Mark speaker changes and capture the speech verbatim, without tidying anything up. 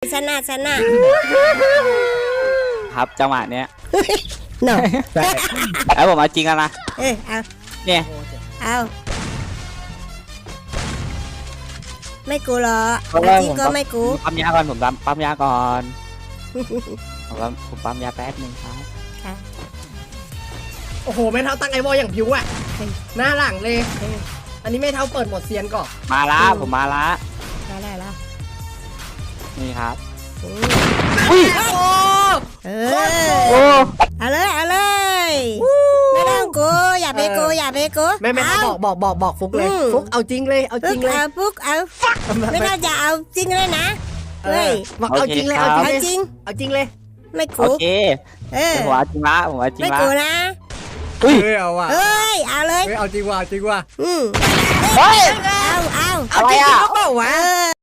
Speaker 1: ชนะชนะ
Speaker 2: ครับจังหวะเนี้ย
Speaker 1: หนอ
Speaker 2: แล้วผมเอาจริงแล้วนะ
Speaker 1: เออเอา
Speaker 2: เนี่ย
Speaker 1: เอาไม่กูหรอ
Speaker 2: เพราะ
Speaker 1: เอา
Speaker 2: ว่า
Speaker 1: จริง
Speaker 2: ผม
Speaker 1: ก็
Speaker 2: ต้อง
Speaker 1: ไม่กู
Speaker 2: ปั๊มยาก่อนผมปั๊มปั๊มยาก่อนผมปั๊มผมปั๊มยาแป๊บนึงครับ
Speaker 1: ค่ะ
Speaker 3: โอ้โหไม่เท่าตั้งไอวอลอย่างผิวอ่ะหน้าหลังเลย อันนี้ไม่เท่าเปิดหมดเซียนก่อน
Speaker 2: มาละผมมาละ
Speaker 1: ได้ได้แล้ว
Speaker 2: นี่ครับ
Speaker 1: อืม
Speaker 2: อุ้ย
Speaker 3: โอ้
Speaker 1: เอ
Speaker 2: โอ้
Speaker 1: อเอาเลยเอาเลยไม่ต้องกูอย่าไปกูอย่าไปกู
Speaker 3: ไม่ไม่
Speaker 1: เอา
Speaker 3: บอกบอกบอกบอกฟุกเลย
Speaker 1: อืม
Speaker 3: ฟุกเอาจริงเลยเอาจ
Speaker 1: ปุ๊
Speaker 3: ริ
Speaker 1: ก
Speaker 3: งเลย
Speaker 1: เอาปุ๊กเอาไม่ต้องจะเอาจริงเลยนะ
Speaker 3: เอ
Speaker 1: เฮ้
Speaker 3: อย บอกเอาจริงเลยเอาจริง
Speaker 1: เอา
Speaker 3: เลย
Speaker 1: จริง
Speaker 3: เอาจริงเลย
Speaker 1: ไม่
Speaker 2: โอ
Speaker 1: กู
Speaker 2: เค
Speaker 1: เออ
Speaker 2: ผมเอาจริงละผมเอาจริง
Speaker 1: ไม่
Speaker 2: ละ
Speaker 1: กูนะ
Speaker 2: อุ้ย
Speaker 3: เฮ้ยเอาว่ะ
Speaker 1: เฮ้ยเอาเลย
Speaker 3: เฮ้ยเอาจริงว่ะเอาจริงว่ะ
Speaker 1: อืม
Speaker 2: เฮ้ย
Speaker 1: เอาเอา
Speaker 3: เอาจริง
Speaker 2: อะไรอะ
Speaker 3: ก็เปล่าวะ
Speaker 1: เออ